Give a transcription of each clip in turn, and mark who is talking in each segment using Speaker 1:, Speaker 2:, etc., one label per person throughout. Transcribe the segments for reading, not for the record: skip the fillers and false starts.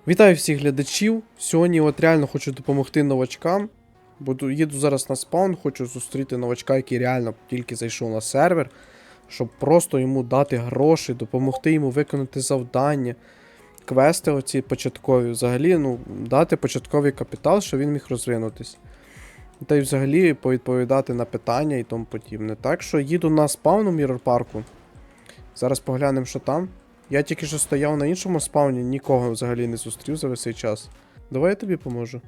Speaker 1: Вітаю всіх глядачів. Сьогодні от реально хочу допомогти новачкам. Їду зараз на спаун, хочу зустріти новачка, який реально тільки зайшов на сервер, щоб просто йому дати гроші, допомогти йому виконати завдання, квести оці початкові. Взагалі, дати початковий капітал, щоб він міг розвинутись. Та й взагалі повідповідати на питання і тому подібне. Так що їду на спаун у Міррор Парку. Зараз поглянемо, що там. Я тільки що стояв на іншому спауні, нікого взагалі не зустрів за весь цей час. Давай я тобі поможу.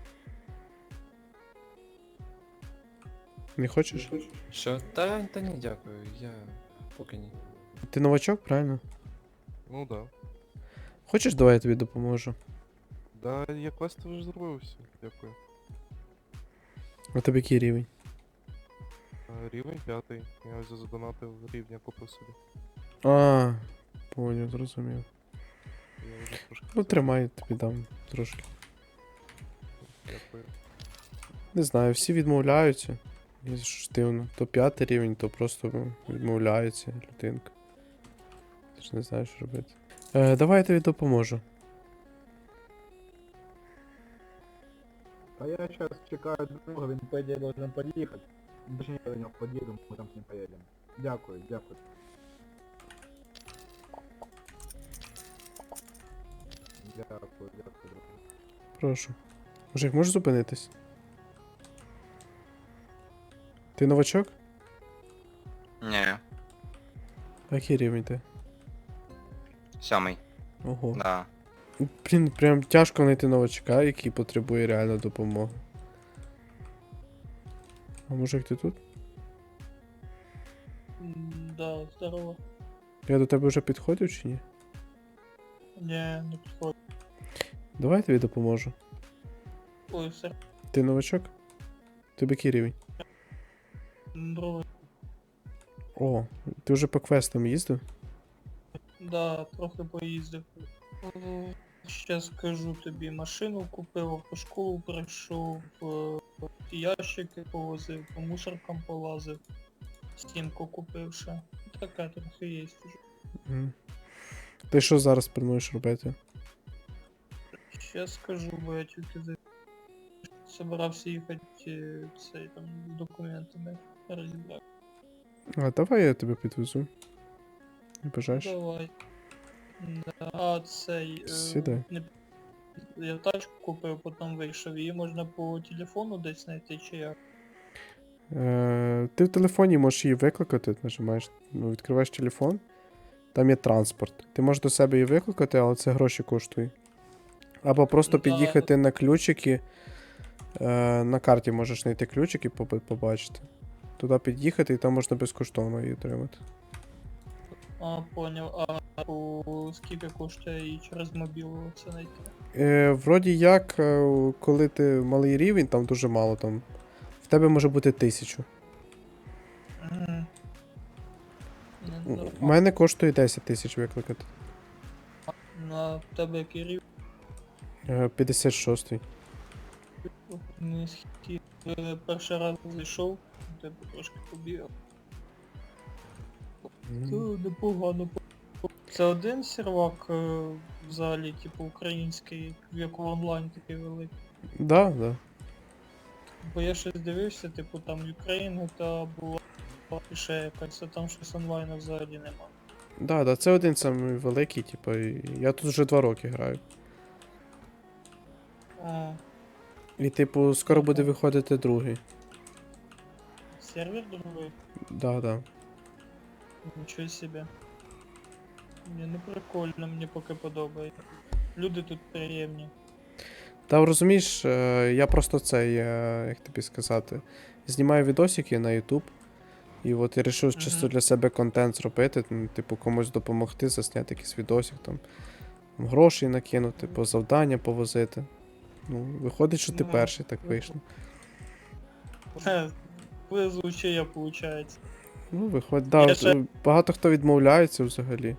Speaker 1: Не хочеш?
Speaker 2: Що? Та ні, дякую, я поки ні.
Speaker 1: Ти новачок, правильно?
Speaker 3: Ну да.
Speaker 1: Хочеш, давай я тобі допоможу.
Speaker 3: Да, я квести вже зробив все, дякую.
Speaker 1: А тобі який рівень?
Speaker 3: Рівень 5. Я ось задонатив рівня, купив собі.
Speaker 1: А, поняв, зрозумів.
Speaker 3: Я вже трошки.
Speaker 1: Ну тримай, тобі дам трошки.
Speaker 3: Дякую.
Speaker 1: Не знаю, всі відмовляються. І що ж дивно. То 5 рівень, то просто відмовляється людинка. Ти ж не знаєш, що робити. Давай я тобі допоможу.
Speaker 4: А я сейчас чекаю друга, він по идее должен подъехать. Точнее, я до нього подъеду, мы там с ним поедем. Дякую, дякую. Дякую, дякую.
Speaker 1: Прошу. Мужик, можеш зупинитись? Ти новачок?
Speaker 5: Ні,
Speaker 1: А який рівень ти?
Speaker 5: 7.
Speaker 1: Ого.
Speaker 5: Да.
Speaker 1: Блін, прям тяжко знайти новачка, який потребує реально допомоги. А мужик, ти тут?
Speaker 6: Да, здорово.
Speaker 1: Я до тебе вже підходив чи ні?
Speaker 6: Не підходить.
Speaker 1: Давай я тобі допоможу.
Speaker 6: Ой, все.
Speaker 1: Ти новачок? Тобі який рівень?
Speaker 6: Другой.
Speaker 1: О, ти вже по квестам їздив?
Speaker 6: Да, трохи поїздив. Ще скажу тобі, машину купив, автошколу пройшов, ящики повозив, по мусоркам полазив, стінку купив ще. Таке трохи є вже.
Speaker 1: Мгм. Ти що зараз плануєш робити?
Speaker 6: Ще скажу, бо я тільки собирався їхати цей там з документами розібрати.
Speaker 1: А давай я тебе підвезу. Не бажаєш?
Speaker 6: Давай. Да, а цей...
Speaker 1: Сідай.
Speaker 6: Я тачку купив, потім вийшов. Її можна по телефону десь знайти чи як?
Speaker 1: Ти в телефоні можеш її викликати, нажимаєш, відкриваєш телефон, там є транспорт. Ти можеш до себе її викликати, але це гроші коштує. Або просто
Speaker 6: Да.
Speaker 1: під'їхати на ключики. На карті можеш знайти ключики, побачити. Туди під'їхати і там можна безкоштовно її отримати.
Speaker 6: А, поняв. А скільки коштує її через мобілу це знайти?
Speaker 1: Вроді як, коли ти малий рівень, там дуже мало, там в тебе може бути 1000.
Speaker 6: Мгм.
Speaker 1: У мене коштує 10 тисяч викликати.
Speaker 6: На тебе який рівень?
Speaker 1: 56-й.
Speaker 6: Низький. Перший раз зайшов, тебе трошки побігав. Непогано. Це один сервак взагалі, типу український, як в онлайн такий великий.
Speaker 1: Да, да.
Speaker 6: Бо я щось дивився, типу там Україна та була і ще якась, а там щось онлайну взагалі нема.
Speaker 1: Да, це один самий великий, типу, і я тут вже 2 роки граю.
Speaker 6: А,
Speaker 1: І типу, скоро буде виходити другий.
Speaker 6: сервер другий?
Speaker 1: Да.
Speaker 6: Нічого себе. Мені не прикольно, мені поки подобається. Люди тут приємні.
Speaker 1: Та розумієш, я просто цей, як тобі сказати, знімаю відосики на YouTube. І от я вирішив чисто для себе контент зробити, типу комусь допомогти, засняти якийсь відосик, там гроші накинути, по завдання повозити. Ну, виходить, що ти
Speaker 6: Ну,
Speaker 1: перший так вийшло.
Speaker 6: Везуче я, виходить.
Speaker 1: Ну, виходить, да,
Speaker 6: Я ще-
Speaker 1: багато хто відмовляється взагалі.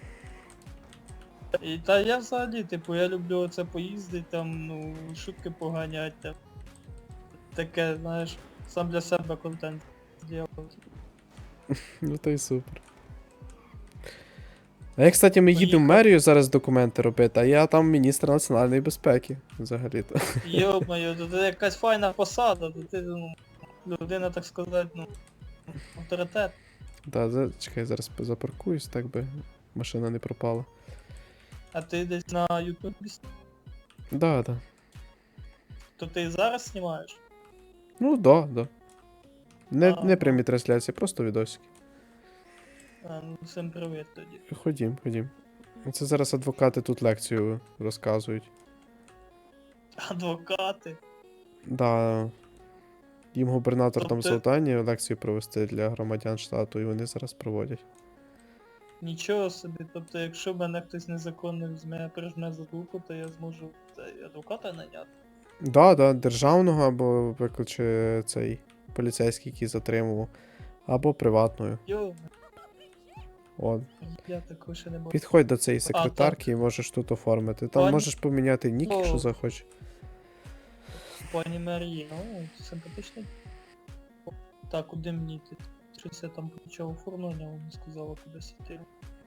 Speaker 6: Та я взагалі, типу, я люблю оце поїздити, там, ну, шутки поганять, там. Таке, знаєш, сам для себе контент зробити.
Speaker 1: Ну то й супер. А я, кстати, ми їдемо в
Speaker 6: Поїхав.
Speaker 1: мерію зараз документи робити, а я там міністр національної безпеки, взагалі-то.
Speaker 6: Йо-моє, то це якась файна посада, то ти, ну, людина, так сказати, ну, авторитет.
Speaker 1: Да, чекай, зараз запаркуюсь, так би машина не пропала.
Speaker 6: А ти десь на ютубі,
Speaker 1: Да.
Speaker 6: то ти і зараз знімаєш?
Speaker 1: Ну, да. Не
Speaker 6: Ага.
Speaker 1: прямі трансляції, просто відосики.
Speaker 6: А, ну, всім привіт тоді.
Speaker 1: Ходім. Це зараз адвокати тут лекцію розказують.
Speaker 6: Адвокати.
Speaker 1: Да. Їм губернатор там
Speaker 6: Тобто-
Speaker 1: завдання лекцію провести для громадян штату, і вони зараз проводять.
Speaker 6: Нічого собі, тобто якщо мене хтось незаконно візьме, прижме за руку, то я зможу адвоката наняти.
Speaker 1: Да, державного або викличе цей поліцейський, який затримував, або приватною.
Speaker 6: Йо,
Speaker 1: От.
Speaker 6: я такого ще не бачу.
Speaker 1: Підходь до цієї секретарки і можеш тут оформити. Там
Speaker 6: Пані-
Speaker 1: можеш поміняти нік, якщо
Speaker 6: О.
Speaker 1: захочеш.
Speaker 6: Пані Марія, ну, симпатичний. Так, куди мені йти? Щось я там почав оформлення, вона сказала кудись йти.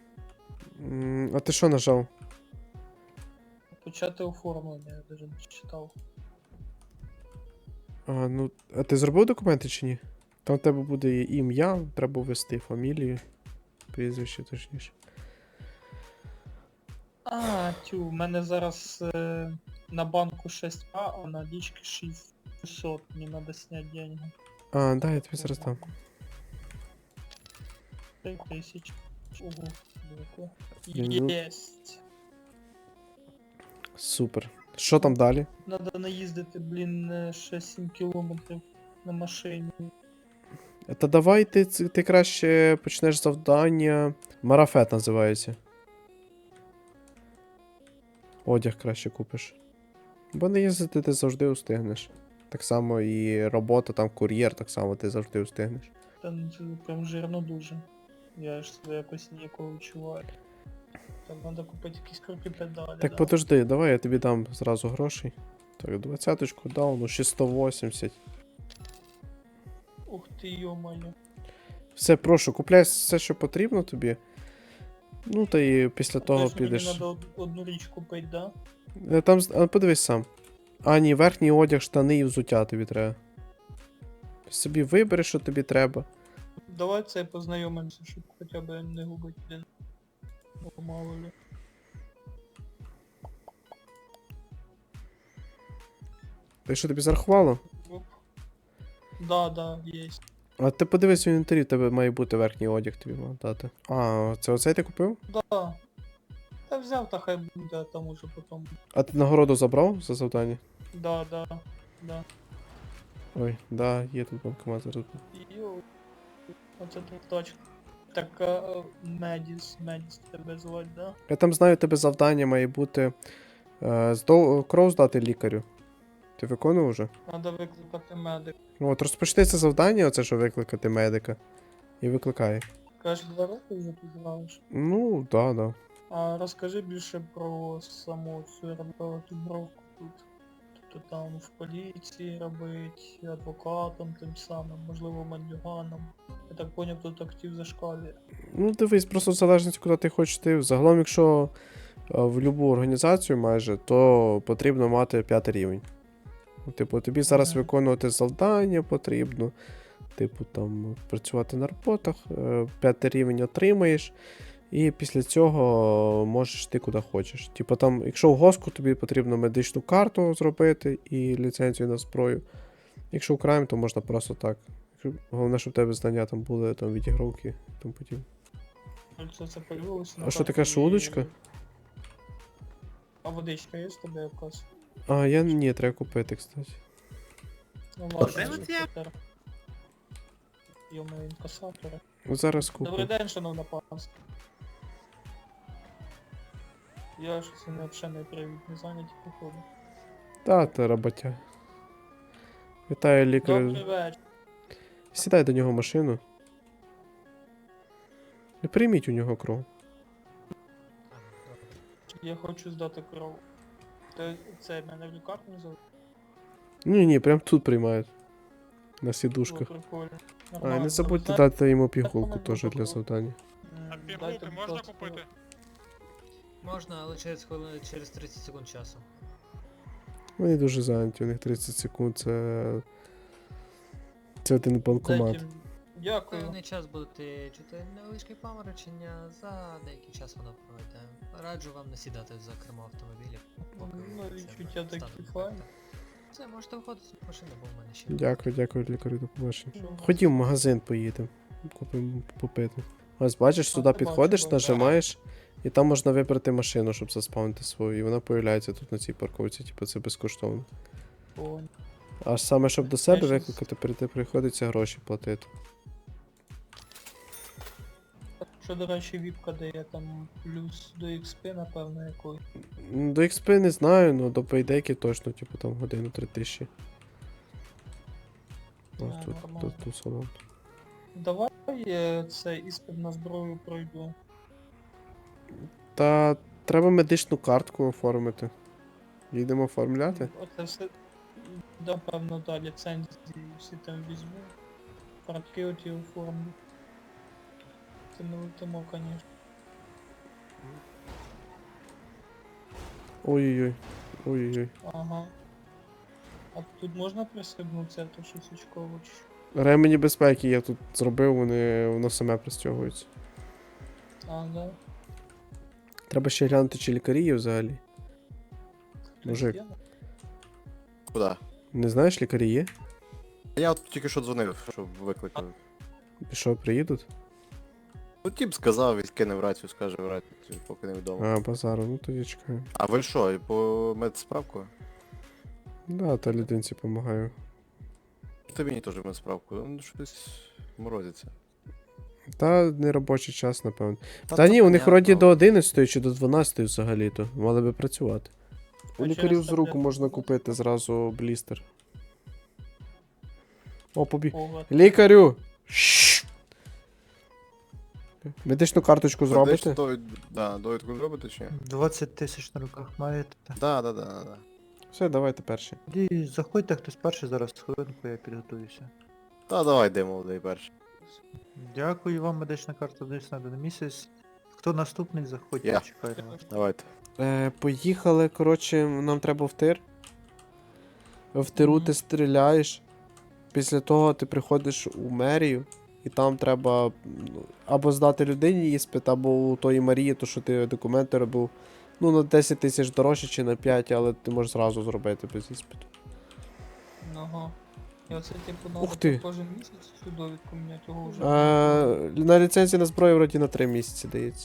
Speaker 1: А ти що нажав?
Speaker 6: Почати оформлення, я навіть не читав.
Speaker 1: А ти зробив документи чи ні? Там у тебе буде ім'я, треба ввести фамілію, прізвище точніше.
Speaker 6: А, тю, в мене зараз на банку 6А, а на лічки 600. Мені треба зняти деньги.
Speaker 1: А, да, я тобі зараз дам.
Speaker 6: 3000. Ого, велико.
Speaker 1: Ну.
Speaker 6: Єсть.
Speaker 1: Супер. Що там далі?
Speaker 6: Надо наїздити, блін, 6-7 кілометрів на машині.
Speaker 1: Та давай ти краще почнеш завдання. Марафет називається. Одяг краще купиш. Бо не їздити ти завжди устигнеш. Так само і робота, там кур'єр, так само ти завжди устигнеш.
Speaker 6: Та ну, це прям жирно дуже. Я ж себе якось ніякого відчуваю. Так, треба купити якісь круті педалі.
Speaker 1: Так подожди, давай я тобі дам зразу грошей. Так, 20-ку дав, ну ще 180.
Speaker 6: Ух ти, йо-моє.
Speaker 1: Все, прошу, купляй все, що потрібно тобі. Ну, та і після того
Speaker 6: Тобто
Speaker 1: підеш.
Speaker 6: Мені треба одну річ купити, да?
Speaker 1: Там, подивись сам. А, ні, верхній одяг, штани і взуття тобі треба. Собі вибери, що тобі треба.
Speaker 6: Давай це познайомимося, щоб хоча б не губити один. Бо мало ли.
Speaker 1: Ти що тобі зарахувало?
Speaker 6: Оп. Да, є.
Speaker 1: А ти подивись в інвентарі, в тебе має бути верхній одяг тобі мав дати. А, це оцей ти купив?
Speaker 6: Да. Та взяв, та хай буде, а там уже потім.
Speaker 1: А ти нагороду забрав за завдання?
Speaker 6: Да.
Speaker 1: Ой, да, є тут банкомат зараз.
Speaker 6: Йоу. Оце тут точка. Так, Медіс тебе звать, да?
Speaker 1: Я там знаю, у тебе завдання має бути кров здати лікарю. Ти виконував вже?
Speaker 6: Надо викликати медик.
Speaker 1: Ну от розпочни це завдання, оце що викликати медика. І викликай.
Speaker 6: Кажеш, 2 роки вже ти знаєш.
Speaker 1: Ну, да.
Speaker 6: А розкажи більше про саму цю роботу тут. Тобто там в поліції робить, адвокатом тим самим, можливо мандюганом. Я так поняв, тут актив зашкалює.
Speaker 1: Ну, дивись, просто в залежності, куди ти хочеш йти. Загалом, якщо в будь-яку організацію майже, то потрібно мати 5 рівень. Ну, типу, тобі зараз
Speaker 6: Ага.
Speaker 1: виконувати завдання потрібно. Типу, там, працювати на роботах, 5 рівень отримаєш, і після цього можеш йти куди хочеш. Типу, там, якщо в госку, тобі потрібно медичну карту зробити і ліцензію на зброю. Якщо в крайм, то можна просто так. Головне, щоб в тебе знання там були там відігровки і тому подібне.
Speaker 6: Це появилося на
Speaker 1: А що таке,
Speaker 6: карту
Speaker 1: що
Speaker 6: і-
Speaker 1: удочка?
Speaker 6: А водичка є з тебе якась?
Speaker 1: А, ні, треба купити, кстати.
Speaker 6: Ну ладно, тепер. Йомо інкасатори.
Speaker 1: Зараз куплю.
Speaker 6: Добрий день, шановна панство. Я щось не взагалі не привіт, не зайняті походу.
Speaker 1: Та роботя. Вітаю, лікар.
Speaker 6: Добрий вечір.
Speaker 1: Сідай до нього в машину. І прийміть у нього кров.
Speaker 6: Я хочу здати кров. Це мене в лікарню взяв?
Speaker 1: Ні, прям тут приймають. На
Speaker 6: Було
Speaker 1: сідушках.
Speaker 6: прикольно.
Speaker 1: А, і не забудьте дати йому пігулку теж для завдання.
Speaker 7: А пігулки можна купити? Можна, але через 30 секунд часу.
Speaker 1: Вони дуже зайняті, у них 30 секунд, це один банкомат.
Speaker 6: Дайте... Дякую.
Speaker 7: Певний час будете чути невеличке паморочення, за деякий час воно пройде. Раджу вам не сідати за кермо автомобіля, поки
Speaker 6: Ну,
Speaker 7: це
Speaker 6: відчуття
Speaker 7: стане
Speaker 6: такі
Speaker 7: ефектом.
Speaker 6: файні.
Speaker 7: Все, можете виходити з машини, бо в мене ще.
Speaker 1: Дякую, лікарю, до побачення.
Speaker 6: Що?
Speaker 1: Ходім в магазин поїдемо, купимо попити. Ось бачиш, сюди
Speaker 6: ти
Speaker 1: підходиш,
Speaker 6: бачила,
Speaker 1: нажимаєш, і там можна вибрати машину, щоб заспавнити свою, і вона появляється тут на цій парковці, типу це безкоштовно.
Speaker 6: Понял.
Speaker 1: А саме щоб до себе
Speaker 6: щас-
Speaker 1: викликати, приходиться гроші платити.
Speaker 6: Що, до речі, віпка дає там плюс до XP, напевно, якої.
Speaker 1: До XP не знаю, але до пейдеки точно, типу там годину 3000. Ось
Speaker 6: А,
Speaker 1: тут,
Speaker 6: нормально.
Speaker 1: тут салон.
Speaker 6: Давай цей іспит на зброю пройду.
Speaker 1: Та треба медичну картку оформити. Їдемо оформляти?
Speaker 6: Оце все, напевно, да, ліцензії всі там візьму. Картки оті оформлю. Це не летимо, звісно.
Speaker 1: Ой-ой-ой. Ой-ой-ой.
Speaker 6: Ага. А тут можна пристебнутися, то щось очково чи що?
Speaker 1: Ремені безпеки я тут зробив, воно саме пристягується.
Speaker 6: А, да.
Speaker 1: Треба ще глянути, чи лікарі є взагалі.
Speaker 6: Хтось
Speaker 1: Мужик.
Speaker 6: є?
Speaker 8: Куда?
Speaker 1: Не знаєш, лікарі є?
Speaker 8: Я от тільки що дзвонив, щоб викликали.
Speaker 1: І що, приїдуть?
Speaker 8: Ну тіп сказав, відкинув рацію, скаже в рацію, поки не вдома.
Speaker 1: А, базару, ну тоді чекаю.
Speaker 8: А ви що, і по медсправку?
Speaker 1: Да, та людинці допомагаю.
Speaker 8: Та мені теж медсправку, ну щось морозиться.
Speaker 1: Та не робочий час, напевно. Та ні, у них вроді до 11 чи до 12 взагалі-то. Мали би працювати. У
Speaker 6: А
Speaker 1: лікарів
Speaker 6: через
Speaker 1: з руку
Speaker 6: таблетку
Speaker 1: можна
Speaker 6: можна?
Speaker 1: купити зразу блістер. О, побіг.
Speaker 6: Ого.
Speaker 1: Лікарю! Шшш! Медичну карточку зробите?
Speaker 8: Довідку зробите чи ні?
Speaker 9: 20 тисяч на руках маєте.
Speaker 8: Да.
Speaker 1: Все, давайте перші.
Speaker 9: Тоді заходьте хтось перший зараз, хвилинку я підготуюся.
Speaker 8: Та давай де молодий перший.
Speaker 9: Дякую вам, медична карта десь на один місяць. Хто наступний, заходьте,
Speaker 8: Я.
Speaker 9: чекаю на вас.
Speaker 8: Давайте.
Speaker 1: Поїхали, коротше, нам треба в тир. В тиру ти стріляєш. Після того ти приходиш у мерію, і там треба або здати людині іспит, або у тої Марії, то що ти документи робив. Ну, на 10 тисяч дорожче чи на 5, але ти можеш зразу зробити без іспиту.
Speaker 6: Ага. І оце типу
Speaker 1: Ух
Speaker 6: надо
Speaker 1: ти.
Speaker 6: кожен місяць цю довідку міняти, його вже.
Speaker 1: На ліцензії на зброю вроді на 3 місяці дається.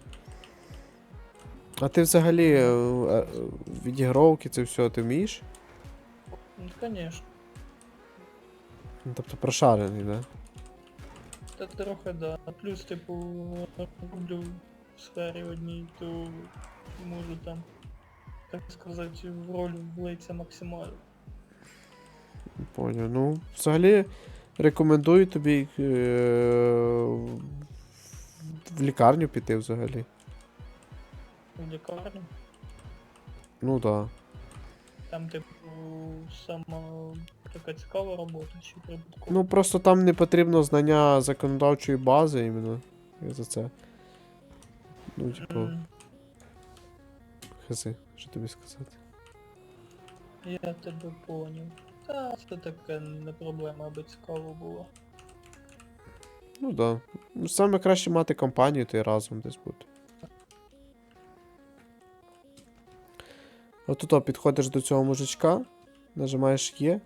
Speaker 1: А ти взагалі відігровки, це все ти вмієш?
Speaker 6: Ну, звісно.
Speaker 1: Ну, тобто прошарений, да?
Speaker 6: Та трохи да. А плюс, типу, роблю в сфері одній, то можу там, так сказати, в роль влитися максимально.
Speaker 1: Поняв. Ну, взагалі рекомендую тобі в лікарню піти взагалі.
Speaker 6: В лікарню.
Speaker 1: Ну так. Да.
Speaker 6: Там, типу, сама така цікава робота, чи прибуткова.
Speaker 1: Ну просто там не потрібно знання законодавчої бази іменно. Я за це. Ну, типу, хизи, що тобі сказати.
Speaker 6: Я тебе поняв. Та це таке не проблема, аби цікаво було.
Speaker 1: Ну так. Да. Саме краще мати компанію, то й разом десь бути. Отут підходиш до цього мужичка, нажимаєш Є.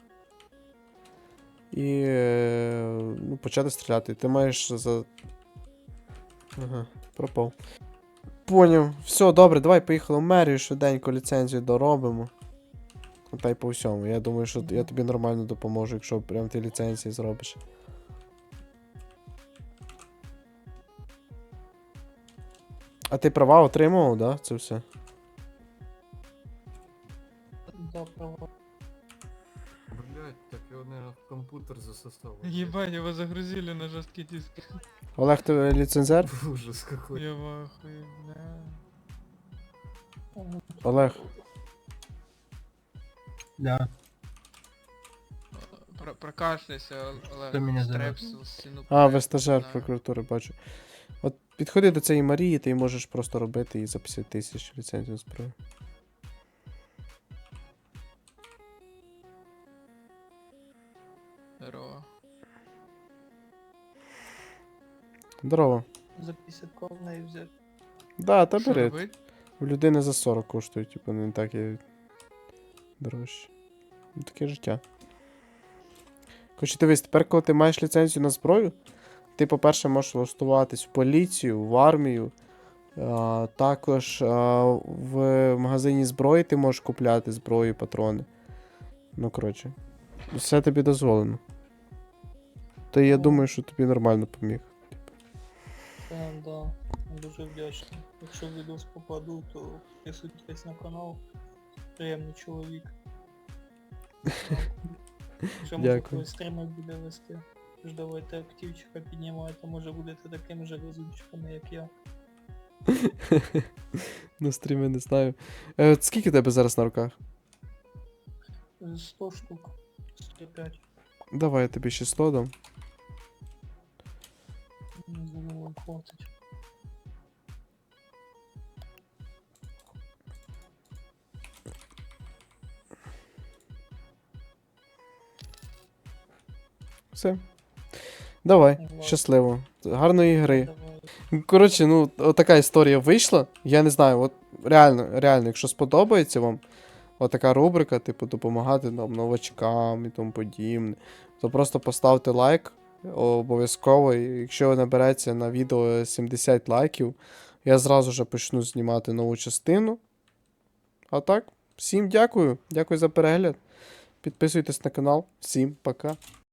Speaker 1: І ну, почати стріляти. Ти маєш за. Ага, пропав. Поняв. Все, добре, давай поїхали в мерію, швиденько ліцензію доробимо. Та й по всьому. Я думаю, що я тобі нормально допоможу, якщо прям ти ліцензії зробиш. А ти права отримував, да? Це все?
Speaker 6: Да, право.
Speaker 2: Блять, так его, наверное, в компьютер засосало.
Speaker 10: Ебать, его загрузили на жесткий диск.
Speaker 1: Олег, ти ліцензер?
Speaker 2: Ужас какой.
Speaker 10: Я в ахуе, да.
Speaker 1: Олег.
Speaker 4: Да.
Speaker 10: Прокашляйся, Олег.
Speaker 9: Хто мене зове?
Speaker 10: Стрепсил, сину
Speaker 1: А, ви
Speaker 10: проект,
Speaker 1: стажер
Speaker 10: знаю.
Speaker 1: прокуратури, бачу. От Підходи до цієї Марії, ти можеш просто робити її за 50 тисяч ліцензію на зброю.
Speaker 10: Здорово.
Speaker 1: Здорово.
Speaker 6: За 50к в неї взяти.
Speaker 1: Да, та
Speaker 10: Що
Speaker 1: бери.
Speaker 10: робить?
Speaker 1: В людини за 40 коштують, типу, не так і дорожче. Ну, таке життя. Короче, дивись, тепер, коли ти маєш ліцензію на зброю, ти, по-перше, можеш влаштуватись в поліцію, в армію. Також в магазині зброї ти можеш купляти зброю, патрони. Ну, коротше. Все тобі дозволено. То я думаю, що тобі нормально поміг.
Speaker 6: Да, дуже вдячний. Якщо в відос попаду, то підписуйтесь на канал. Приємний чоловік. Ще може
Speaker 1: Дякую.
Speaker 6: колись стріми буде вести. Тож давайте активчика піднімайте, може будете такими же розумчиками, як я.
Speaker 1: На стрімі не знаю. Скільки тебе зараз на руках?
Speaker 6: 100 штук. 105.
Speaker 1: Давай я тобі ще 100 дам.
Speaker 6: Думаю, вам хватить.
Speaker 1: Все. Давай,
Speaker 6: Ладно.
Speaker 1: щасливо. Гарної гри.
Speaker 6: Давай.
Speaker 1: Коротше, ну, отака історія вийшла. Я не знаю, от реально, якщо сподобається вам отака рубрика, типу, допомагати нам новачкам і тому подібне, то просто поставте лайк обов'язково. І якщо набереться на відео 70 лайків, я зразу же почну знімати нову частину. А так, всім дякую. Дякую за перегляд. Підписуйтесь на канал. Всім пока.